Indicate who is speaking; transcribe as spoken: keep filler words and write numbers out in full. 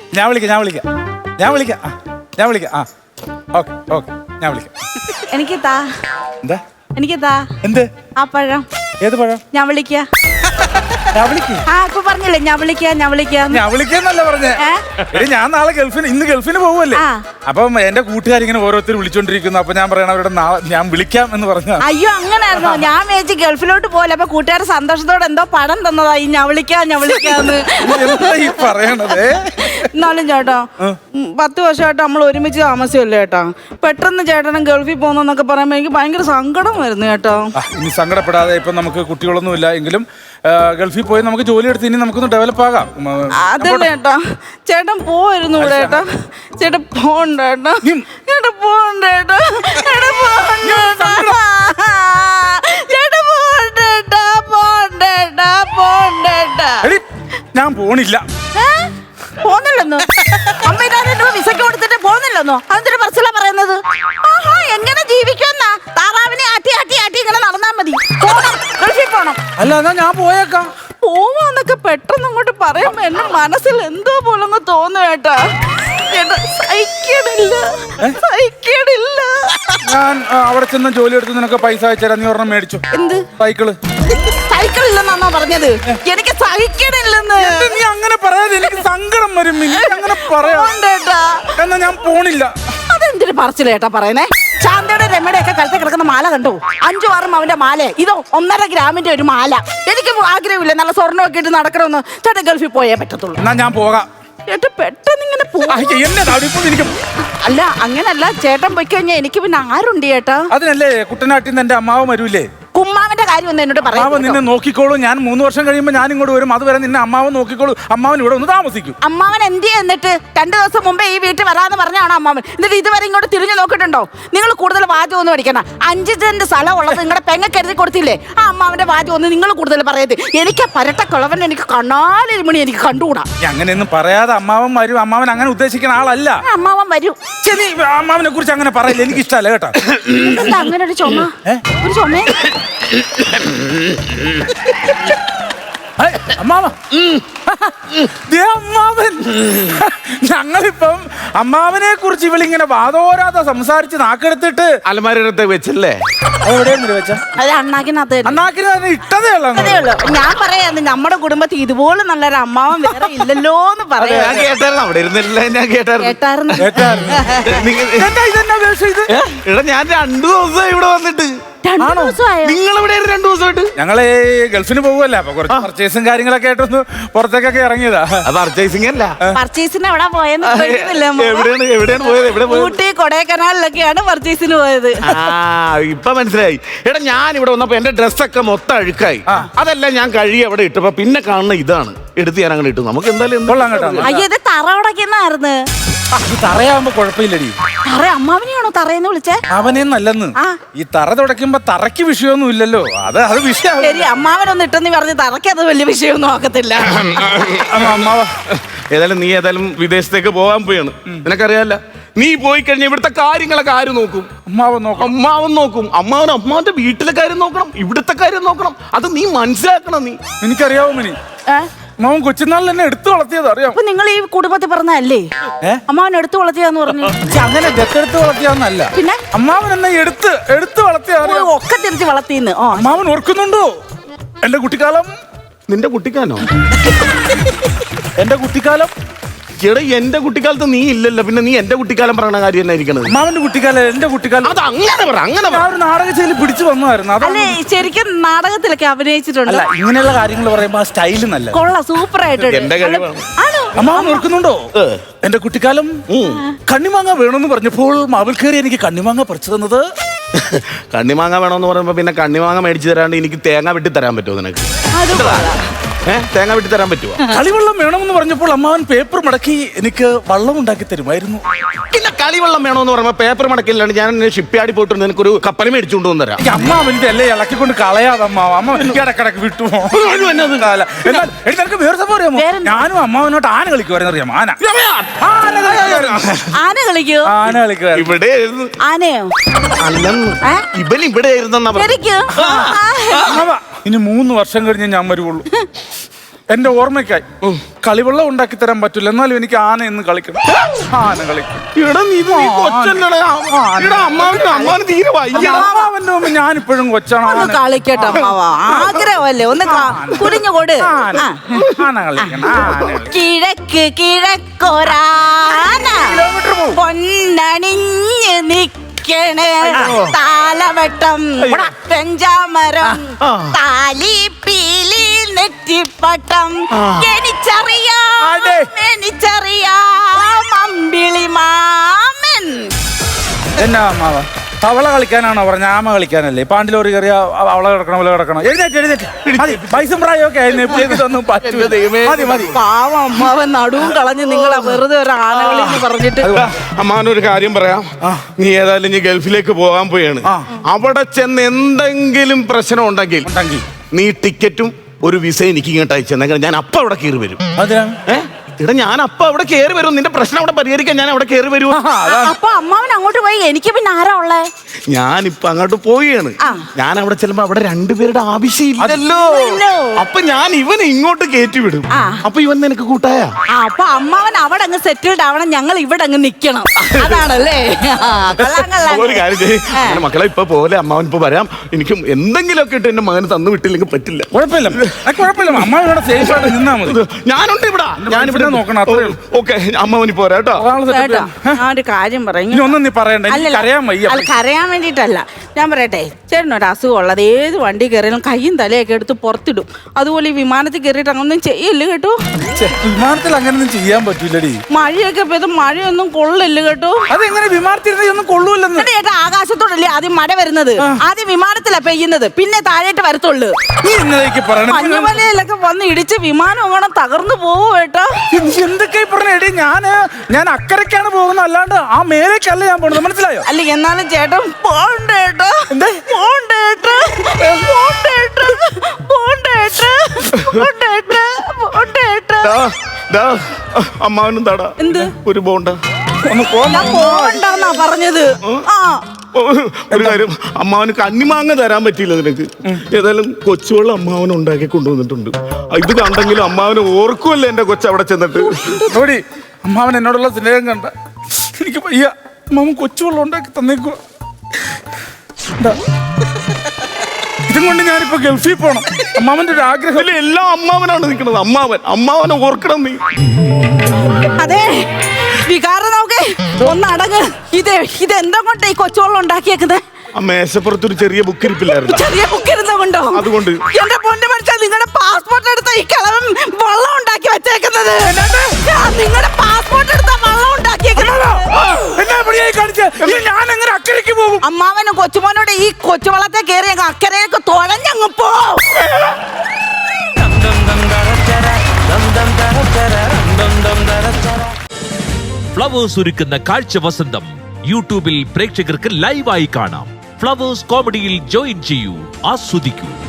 Speaker 1: ഞാൻ വിളിക്കാം ഞാൻ വിളിക്കാം ഞാൻ വിളിക്കാം ആ ഞാൻ വിളിക്കാം ആ ഓക്കെ ഓക്കെ ഞാൻ വിളിക്കാം.
Speaker 2: എനിക്ക് താ
Speaker 1: എന്താ
Speaker 2: എനിക്ക് താ
Speaker 1: എന്ത്
Speaker 2: ആ പഴം.
Speaker 1: ഏത് പഴം?
Speaker 2: ഞാൻ വിളിക്കാം.
Speaker 1: ഞാൻ വിളിക്കാം.
Speaker 2: ആ ഇപ്പൊ പറഞ്ഞില്ലേ ഞാൻ വിളിക്കാം ഞാൻ വിളിക്കാം
Speaker 1: ഞാൻ വിളിക്കാന്നല്ല പറഞ്ഞേ. എടി ഞാൻ നാളെ ഗൾഫിന് ഇന്ന് ഗൾഫിന് പോവല്ലേ. അപ്പം എന്റെ കൂട്ടുകാരിങ്ങനെ ഓരോരുത്തർ വിളിച്ചോണ്ടിരിക്കുന്നു. അപ്പൊ ഞാൻ പറയണ അവരുടെ നാളെ ഞാൻ വിളിക്കാം എന്ന് പറഞ്ഞു.
Speaker 2: അയ്യോ അങ്ങനായിരുന്നോ? ഞാൻ വിചാരിച്ചു ഗൾഫിലോട്ട് പോലെ അപ്പൊ കൂട്ടുകാർ സന്തോഷത്തോടെ എന്തോ പണം തന്നതായി ഞാൻ വിളിക്കാം ഞാൻ വിളിക്കാന്ന്.
Speaker 1: എന്താ ഈ പറയണത്?
Speaker 2: എന്നാലും ചേട്ടാ പത്ത് വർഷമായിട്ട് നമ്മൾ ഒരുമിച്ച് താമസിച്ചല്ലേ ചേട്ടാ. പെട്ടെന്ന് ചേട്ടനും ഗൾഫിൽ പോകുന്നൊക്കെ പറയുമ്പോ എനിക്ക് ഭയങ്കര സങ്കടം വരുന്നു ചേട്ടാ.
Speaker 1: ഇനി സങ്കടപ്പെടാതെ ഇപ്പൊ നമുക്ക് കുട്ടികളൊന്നും ഇല്ല എങ്കിലും ഗൾഫിൽ പോയി നമുക്ക് ജോലി എടുത്ത് ഇനി നമുക്കൊന്ന് ഡെവലപ്പ് ആകാം.
Speaker 2: അതല്ലേ ചേട്ടാ ചേട്ടൻ പോയിരുന്നു ഇവിടെ ചേട്ടാ. ചേട്ടൻ പോണ്ട ചേട്ടാ. ചേട്ടൻ പോണ്ട ചേട്ടാ. ചേട്ടൻ പോണ്ട ചേട്ടാ പോണ്ടേട്ടാ പോണ്ടേട്ടാ പോണ്ടേട്ടാ.
Speaker 1: ഞാൻ പോണില്ല.
Speaker 2: പോന്നില്ലെന്നോ? അമ്മ ഇതാ വിസയ്ക്ക് കൊടുത്തിട്ട് പോന്നില്ലെന്നോ? അതെന്തൊരു പറച്ചിലാ പറയുന്നത്? ആഹാ എങ്ങനെ ജീവിക്കുമെന്നാ? താറാവിനെ ആട്ടി ആട്ടി ആട്ടി ഇങ്ങനെ നടന്നാ മതി. പോണം ഗൾഫിൽ പോണം.
Speaker 1: അല്ല എന്നാ ഞാൻ പോയേക്കാം.
Speaker 2: പോവാന്നൊക്കെ പെട്ടെന്ന് അങ്ങോട്ട് പറയുമ്പോ എന്റെ മനസ്സിൽ എന്തോ പോലങ്ങ് തോന്നു കേട്ടാ. സഹിക്കണില്ല സഹിക്കണില്ല.
Speaker 1: ഞാൻ അവിടെ ചെന്ന് ജോലി എടുത്ത് നിനക്ക് പൈസ അയച്ചുതരാം. നീ ഒരെണ്ണം മേടിച്ചു.
Speaker 2: എന്ത്
Speaker 1: സൈക്കിള്?
Speaker 2: സൈക്കിൾ ഇല്ലെന്നാണോ പറഞ്ഞത്? എനിക്ക് സഹിക്കണില്ലെന്ന്.
Speaker 1: നീ അങ്ങനെ പറയാതെ എനിക്ക് സങ്കടം വരും. അങ്ങനെ പറയാ. എന്നാ ഞാൻ പോണില്ല.
Speaker 2: അതെന്തൊരു പറച്ചില്ല ചേട്ടാ പറയുന്നേ. ശാന്തയുടെ രമയുടെ ഒക്കെ കഴുത്തിൽ കിടക്കുന്ന മാല കണ്ടോ? അഞ്ചു ആറും അവന്റെ മാല. ഇതോ ഒന്നര ഗ്രാമിന്റെ ഒരു മാല. എനിക്ക് ആഗ്രഹമില്ല നല്ല സ്വർണ്ണമൊക്കെ ഇട്ട് നടക്കണമെന്ന്. ചേട്ടൻ ഗൾഫിൽ പോയേ പറ്റത്തുള്ളൂ.
Speaker 1: എന്നാ ഞാൻ പോകാം.
Speaker 2: ചേട്ടൻ പെട്ടെന്ന് ഇങ്ങനെ പോകും. അല്ല അങ്ങനല്ല ചേട്ടൻ പോയി കഴിഞ്ഞാൽ എനിക്ക് പിന്നെ ആരുണ്ട് ചേട്ടാ?
Speaker 1: അതിനല്ലേ കുട്ടനാട്ടിൽ നിന്ന് എന്റെ അമ്മാവ് വരൂലേ.
Speaker 2: കുമ്മാവന്റെ കാര്യം ഒന്ന് എന്നോട് പറയാം.
Speaker 1: അമ്മാവൻ നിന്നെ നോക്കിക്കോളൂ. ഞാൻ മൂന്ന് വർഷം കഴിയുമ്പോൾ ഞാൻ ഇങ്ങോട്ട് വരും. അതുവരെ നിന്നെ അമ്മാവൻ നോക്കിക്കോളൂ. അമ്മാവൻ ഇവിടെ ഒന്ന് താമസിക്കും.
Speaker 2: അമ്മാവൻ എന്ത് എന്നിട്ട് രണ്ടു ദിവസം മുമ്പേ ഈ വീട്ടിൽ വരാന്ന് പറഞ്ഞാണ് അമ്മാവൻ. എന്നിട്ട് ഇതുവരെ ഇങ്ങോട്ട് തിരിഞ്ഞു നോക്കിയിട്ടുണ്ടോ? നിങ്ങൾ കൂടുതൽ വാചകം ഒന്നും പഠിക്കണം. അഞ്ച് സെന്റ് സ്ഥലം ഉള്ളത് നിങ്ങളുടെ പെങ്ങൾക്ക് എഴുതി കൊടുത്തില്ലേ? ആ അമ്മാവന്റെ വാചകം ഒന്ന് നിങ്ങൾ കൂടുതൽ പറയത്. എനിക്ക് പരട്ട കളവൻ എനിക്ക് കണ്ണാലൊരു മണി എനിക്ക് കണ്ടുകൂടാ.
Speaker 1: അങ്ങനെയൊന്നും പറയാതെ അമ്മാവൻ വരും. അമ്മാവൻ അങ്ങനെ ഉദ്ദേശിക്കുന്ന ആളല്ല.
Speaker 2: അമ്മാവൻ വരും.
Speaker 1: അമ്മാവനെ കുറിച്ച് അങ്ങനെ പറയില്ല. എനിക്ക് ഇഷ്ടമല്ല കേട്ടോ.
Speaker 2: അങ്ങനെ ഒരു ചുമ ഒരു ചുമ
Speaker 1: അമ്മാവ അമ്മാവൻ. ഞങ്ങളിപ്പം അമ്മാവനെ കുറിച്ച് ഇവളിങ്ങനെ വാദോരാതെ സംസാരിച്ച് നാക്കെടുത്തിട്ട്
Speaker 3: അലമാരത്തെ വെച്ചല്ലേ?
Speaker 1: എവിടെയെങ്കിലും വെച്ച
Speaker 2: അത് അണ്ണാക്കിനകത്ത്
Speaker 1: അണ്ണാക്കിന് ഇട്ടതേ ഉള്ളൂ.
Speaker 2: ഞാൻ പറയാന്ന് നമ്മുടെ കുടുംബത്തിൽ ഇതുപോലെ നല്ലൊരു അമ്മാവൻ വേറെ ഇല്ലല്ലോ എന്ന് പറയാ.
Speaker 3: ഞാൻ കേട്ടായിരുന്നു. അവിടെ ഇരുന്നില്ല. ഞാൻ കേട്ടായിരുന്നു. എടാ ഞാൻ രണ്ടു ദിവസം ഇവിടെ വന്നിട്ട്. നിങ്ങൾ ഇവിടെ രണ്ടു ദിവസമായിട്ട്?
Speaker 1: ഞങ്ങള് ഗൾഫിന് പോകുമല്ല. അപ്പൊ കുറച്ച് പർച്ചേസും കാര്യങ്ങളൊക്കെ ആയിട്ടൊന്ന് പുറത്തേക്കൊക്കെ ഇറങ്ങിയതാ.
Speaker 3: പർച്ചേസിംഗ് അല്ല,
Speaker 2: പർച്ചേസിന് എവിടെ പോയെന്ന്
Speaker 3: എവിടെയാണ് എവിടെയാണ് പോയത്? എവിടെ പോയത്?
Speaker 2: ഊട്ടി കൊടൈക്കനാലിലൊക്കെയാണ് പർച്ചേസിന് പോയത്.
Speaker 3: ആ ഇപ്പൊ മനസ്സിലായി. എടാ ഞാൻ ഇവിടെ വന്നപ്പോ എന്റെ ഡ്രസ്സൊക്കെ മൊത്തം അഴുക്കായി. അതെല്ലാം ഞാൻ കഴുകി അവിടെ ഇട്ടപ്പോ പിന്നെ കാണുന്ന ഇതാണ്. എടുത്ത് ഞാൻ അങ്ങനെ ഇട്ടു. നമുക്ക് എന്തായാലും
Speaker 2: അയ്യോ ഇത് തറ ഉടക്കുന്നായിരുന്നു.
Speaker 1: തറയാവുമ്പോ കുഴപ്പമില്ലടി.
Speaker 2: തറ അമ്മാവനെയാണോ തറയെന്ന് വിളിച്ചേ?
Speaker 1: അവനെന്നല്ലെന്ന്. ഈ തറ തുടയ്ക്കുമ്പോ തറയ്ക്ക് വിഷയമൊന്നും ഇല്ലല്ലോ. അത് അത് വിഷയം.
Speaker 2: ശരി അമ്മാവനൊന്നും ഇട്ടെന്ന് പറഞ്ഞ് തറയ്ക്ക് അത് വലിയ വിഷയമൊന്നും ആക്കത്തില്ല.
Speaker 1: അമ്മാവ
Speaker 3: ഏതായാലും നീ ഏതായാലും വിദേശത്തേക്ക് പോകാൻ പോയാണ്. നിനക്കറിയാല്ല, നീ പോയി കഴിഞ്ഞാൽ ഇവിടുത്തെ കാര്യങ്ങളൊക്കെ ആര് നോക്കും?
Speaker 1: അമ്മാവൻ നോക്കും.
Speaker 3: അമ്മാവൻ നോക്കും. അമ്മാവൻ അമ്മാവന്റെ വീട്ടിലെ കാര്യം നോക്കണം, ഇവിടുത്തെ കാര്യം നോക്കണം. അത് നീ മനസ്സിലാക്കണം. നീ
Speaker 1: എനിക്കറിയാവോ മനി, അമ്മാവൻ കൊച്ചുനാളിൽ എന്നെ എടുത്തു വളർത്തിയത് അറിയാം.
Speaker 2: അപ്പൊ നിങ്ങൾ ഈ കുടുംബത്തിൽ പറഞ്ഞല്ലേ അമ്മാവൻ എടുത്തു വളർത്തിയാന്ന് പറഞ്ഞു?
Speaker 1: അങ്ങനെ ദത്തെടുത്ത് വളർത്തിയാന്നല്ല,
Speaker 2: പിന്നെ
Speaker 1: അമ്മാവൻ എന്നെ എടുത്ത് എടുത്ത് വളർത്തിയ
Speaker 2: ഒക്കെ തിരിച്ച് വളർത്തിന്ന്.
Speaker 1: അമ്മാവൻ ഓർക്കുന്നുണ്ടോ എന്റെ കുട്ടിക്കാലം?
Speaker 3: നിന്റെ കുട്ടിക്കാലോ?
Speaker 1: എന്റെ കുട്ടിക്കാലം
Speaker 3: എടാ എന്റെ കുട്ടിക്കാലത്ത് നീ ഇല്ലല്ലോ. പിന്നെ നീ എന്റെ കുട്ടിക്കാലം പറയണ കാര്യം തന്നെ ഇരിക്കണത്.
Speaker 1: അമ്മാവന്റെ കുട്ടിക്കാലം എന്റെ കുട്ടിക്കാലം.
Speaker 3: അത് അങ്ങനെ പറ. അങ്ങനെ
Speaker 1: ആ ഒരു നാടകശൈലി പിടിച്ചു വന്നതായിരുന്നു.
Speaker 2: അല്ലേ ശരിക്കും നാടകത്തിലൊക്കെ അഭിനയിച്ചിട്ടുണ്ട്.
Speaker 1: അല്ല ഇങ്ങനെയുള്ള കാര്യങ്ങൾ പറയുമ്പോ ആ സ്റ്റൈല് നല്ല
Speaker 2: കൊള്ളാം, സൂപ്പർ ആയിട്ടുണ്ട്.
Speaker 1: അമ്മാവൻ ഓർക്കുന്നുണ്ടോ എന്റെ കുട്ടിക്കാലം? കണ്ണിമാങ്ങ വേണമെന്ന് പറഞ്ഞപ്പോൾ മാവിൽ കയറി എനിക്ക് കണ്ണിമാങ്ങ പറിച്ചു തന്നത്.
Speaker 3: കണ്ണിമാങ്ങ വേണമെന്ന് പറയുമ്പോ പിന്നെ കണ്ണിമാങ്ങ മേടിച്ചു തരാണ്ട് എനിക്ക് തേങ്ങ വെട്ടി തരാൻ പറ്റുമോ നിനക്ക്? ഏഹ് തേങ്ങ വെട്ടി തരാൻ പറ്റുമോ?
Speaker 1: കളിവെള്ളം വേണമെന്ന് പറഞ്ഞപ്പോൾ അമ്മാവൻ പേപ്പർ മടക്കി എനിക്ക് വള്ളം ഉണ്ടാക്കി തരുമായിരുന്നു.
Speaker 3: പിന്നെ കളിവെള്ളം വേണമെന്ന് പറയുമ്പോ പേപ്പർ മടക്കില്ലാണ്ട് ഞാൻ ഷിപ്പ്യാർഡിൽ പോയിട്ട് നിനക്കൊരു കപ്പൽ മേടിച്ചുകൊണ്ട് വന്നു തരാം.
Speaker 1: അമ്മാവന്റെ അല്ലേ ഇളക്കിക്കൊണ്ട് കളയാതെ അമ്മാവ. അമ്മ ഇടക്കിടക്ക് വിട്ടു. നിനക്ക് വേറെ സംഭവം അറിയാമോ? ഞാനും അമ്മാവനോട്ട് ആന കളിക്കുവായിരുന്നു. അറിയാമോ? ആന
Speaker 2: ആന കളിക്കോ?
Speaker 1: ആന കളിക്കുക.
Speaker 3: ഇവിടെ
Speaker 2: ആനയോ?
Speaker 3: അല്ലെന്ന് ഇവൻ ഇവിടെ ആയിരുന്നെന്നാ.
Speaker 1: ഇനി മൂന്ന് വർഷം കഴിഞ്ഞ് ഞാൻ വരുവുള്ളൂ. എന്റെ ഓർമ്മയ്ക്കായി കളിവെള്ളം ഉണ്ടാക്കി തരാൻ പറ്റില്ല, എന്നാലും എനിക്ക് ആന എന്ന് കളിക്കണം. ആന കളിക്കണം.
Speaker 3: എടാ നീ ഇത് നീ കൊച്ചല്ലടാ. എടാ അമ്മാവന് അമ്മാവന് തീരെ വയ്യ.
Speaker 1: അമ്മാവന്റെ മുമ്പ് ഞാനിപ്പോഴും കൊച്ചാണ്.
Speaker 2: ഒന്ന് കളിക്കട്ടെ അമ്മാവ, ആഗ്രഹമല്ലേ, ഒന്ന് കുടിഞ്ഞു കൊട്.
Speaker 1: ആന കളിക്കണം. ആന കളിക്കണം.
Speaker 2: കിഴക്ക് കിഴക്കൊരാന പൊന്നണിഞ്ഞ് നിക്കണേ, താലവട്ടം പെഞ്ചാമരം താലി പീലി നെറ്റിപ്പട്ടം, എനിച്ചറിയാം എനിച്ചറിയാം അമ്പിളി മാമൻ.
Speaker 1: എന്നാ അമ്മാവ തവള കളിക്കാനാണോ പറഞ്ഞ? ആമ കളിക്കാനല്ലേ? പാണ്ടിലോറി കയറിയ അവള കിടക്കണം അവളെ കിടക്കണം. എഴുന്നേറ്റ് എഴുന്നേറ്റ് മതി. പൈസയും പ്രായമൊക്കെ ഇതൊന്നും പറ്റൂല. മതി മതി.
Speaker 2: പാവം അമ്മാവൻ നടുവും കളഞ്ഞ് നിങ്ങളെ വെറുതെ ഒരു ആനകളി എന്ന് പറഞ്ഞിട്ട്.
Speaker 3: അമ്മാവനൊരു കാര്യം പറയാം. നീ ഏതായാലും നീ ഗൾഫിലേക്ക് പോകാൻ പോയാണ്. അവിടെ ചെന്ന് എന്തെങ്കിലും പ്രശ്നം ഉണ്ടെങ്കിൽ നീ ടിക്കറ്റും ഒരു വിസ എനിക്ക് ഇങ്ങോട്ട് അയച്ചെന്നെങ്കിൽ ഞാൻ അപ്പൊ അവിടെ കയറി വരും. ഏഹ് ഇടാ ഞാൻ അപ്പൊ അവിടെ കയറി വരും. നിന്റെ പ്രശ്നം അവിടെ പരിഹരിക്കാൻ ഞാൻ അവിടെ കയറി വരും.
Speaker 2: അപ്പൊ അമ്മാവൻ അങ്ങോട്ട് പോയി, എനിക്ക് പിന്നെ ആരാ ഉള്ളേ?
Speaker 3: ഞാനിപ്പൊ അങ്ങോട്ട് പോവുകയാണ്. ഞാൻ അവിടെ ചെല്ലുമ്പോ അവിടെ രണ്ടുപേരുടെ ആവശ്യമില്ലല്ലോ. അപ്പൊ ഞാൻ ഇവനെ ഇങ്ങോട്ട് കയറ്റി വിടും. അപ്പൊ ഇവൻ നിനക്ക് കൂട്ടായ.
Speaker 2: അപ്പൊ അമ്മാവൻ അവിടെ അങ്ങ് സെറ്റിൽഡ് ആവണം, ഞങ്ങൾ ഇവിടെ അങ്ങ് നിക്കണം. അതാണല്ലേ?
Speaker 3: ഒരു കാര്യം ചെയ്യും മക്കളെ, ഇപ്പൊ പോലെ അമ്മാവൻ ഇപ്പൊ വരാം. എനിക്ക് എന്തെങ്കിലുമൊക്കെ ഇട്ട് എന്റെ മകന് തന്നു വിട്ടില്ലെങ്കിൽ പറ്റില്ല.
Speaker 1: കുഴപ്പമില്ല കുഴപ്പമില്ല, അമ്മാവൻ ഇവിടെ സേഫ് ആയിട്ട് നിന്നാ മതി.
Speaker 3: ഞാനുണ്ട് ഇവിടെ. ഞാനിവിടെ
Speaker 1: നോക്കണം. അത്രേ ഉള്ളൂ.
Speaker 3: ഓക്കെ അമ്മാവനി പോരാ കേട്ടോ.
Speaker 2: ആ ഒരു കാര്യം പറയും.
Speaker 1: ഒന്നും നീ പറയണ്ട, കരയാൻ വയ്യ.
Speaker 2: അല്ല കരയാൻ വേണ്ടിട്ടല്ല, ഞാൻ പറയട്ടെ, ചേട്ടനൊരു അസുഖം ഉള്ളത് ഏത് വണ്ടി കയറിയാലും കയ്യും തലയൊക്കെ എടുത്ത് പുറത്തിടും. അതുപോലെ ഈ വിമാനത്തിൽ കയറിയിട്ട് അങ്ങനൊന്നും ചെയ്യല്ല കേട്ടോ.
Speaker 1: വിമാനത്തിൽ അങ്ങനൊന്നും ചെയ്യാൻ പറ്റൂലടി.
Speaker 2: മഴയൊക്കെ പെയ്ത് മഴയൊന്നും കൊള്ളില്ല കേട്ടോ.
Speaker 1: അതെങ്ങനെ വിമാനത്തിൽ ഒന്നും കൊള്ളൂല്ലെന്ന്?
Speaker 2: ചേട്ടാ ആകാശത്തോടല്ലേ ആദ്യം മഴ വരുന്നത്, ആദ്യം വിമാനത്തിലാ പെയ്യുന്നത്, പിന്നെ താഴേട്ട് വരത്തുള്ളൂ. മഞ്ഞുമലയിലൊക്കെ വന്ന് ഇടിച്ച് വിമാനം അങ്ങനെ തകർന്നു പോവും കേട്ടോ.
Speaker 1: എന്തൊക്കെ പറഞ്ഞേടി? ഞാന് ഞാൻ അക്കരക്കാണ് പോകുന്നത്, അല്ലാണ്ട് ആ മേലേക്കല്ല ഞാൻ പോണത്. മനസ്സിലായോ?
Speaker 2: അല്ല എന്നാലും ചേട്ടൻ പോണ്ടേട്ടോ. എന്താ പോണ്ടേട്ടോ? പോണ്ടേട്ടോ പോണ്ടേട്ടോ പോണ്ടേട്ടോ പോണ്ടേട്ടോ.
Speaker 3: അമ്മാവനും തടാ
Speaker 2: എന്ത്
Speaker 3: ഒരു ബോണ്ട
Speaker 2: പോണ്ടെന്നാ പറഞ്ഞത്. ആ
Speaker 3: ഒരു കാര്യം, അമ്മാവന് കണ്ണിമാങ്ങ തരാൻ പറ്റിയില്ല നിനക്ക്. ഏതായാലും കൊച്ചുവെള്ളം അമ്മാവൻ ഉണ്ടാക്കി കൊണ്ടുവന്നിട്ടുണ്ട്. ഇത് കണ്ടെങ്കിലും അമ്മാവന് ഓർക്കുമല്ലോ എന്റെ കൊച്ചു അവിടെ ചെന്നിട്ട്.
Speaker 1: അമ്മാവൻ എന്നോടുള്ള സ്നേഹം കണ്ട എനിക്ക് വയ്യ. അമ്മാവൻ കൊച്ചുവെള്ളം ഉണ്ടാക്കി തന്നേക്കുക. ഇതും കൊണ്ട് ഞാനിപ്പോ ഗൾഫിൽ പോണം. അമ്മാവന്റെ ഒരു ആഗ്രഹം.
Speaker 3: എല്ലാം അമ്മാവനാണ് നിൽക്കുന്നത്. അമ്മാവൻ അമ്മാവനെ ഓർക്കണം നീ.
Speaker 2: അതെ വികാരം നോക്കേ ഒന്ന് അടങ്ങ്. ഇത് ഇതെന്താ കൊണ്ട് ഈ കൊച്ചുവെള്ളം ഉണ്ടാക്കിയേക്കുന്നത്?
Speaker 3: ആ മേശപ്പുറത്തൊരു ചെറിയ ബുക്ക് ഇരിപ്പില്ലായിരുന്നു.
Speaker 2: ചെറിയ ബുക്ക് ഇരുന്നുകൊണ്ടോ? അതുകൊണ്ട് എന്റെ പൊന്നു മനുഷ്യൻ, നിങ്ങളുടെ പാസ്പോർട്ട് എടുത്ത ഈ കിളവൻ വെള്ളം ഉണ്ടാക്കി വെച്ചേക്കുന്നത്. നിങ്ങളുടെ പാസ്പോർട്ട് എടുത്ത വെള്ളം ഉണ്ടാക്കിയേക്കുന്നത്.
Speaker 1: ഞാൻ എങ്ങനെ അക്കരയ്ക്ക് പോകും?
Speaker 2: അമ്മാവനും കൊച്ചുമോനോട് ഈ കൊച്ചുവെള്ളത്തെ കയറി അങ്ങ് അക്കരയൊക്കെ തുഴഞ്ഞങ്ങ് പോ.
Speaker 4: ഫ്ലവേഴ്സ് ഒരുക്കുന്ന കാഴ്ച വസന്തം യൂട്യൂബിൽ പ്രേക്ഷകർക്ക് ലൈവായി കാണാം. ഫ്ലവേഴ്സ് കോമഡിയിൽ ജോയിൻ ചെയ്യൂ, ആസ്വദിക്കൂ.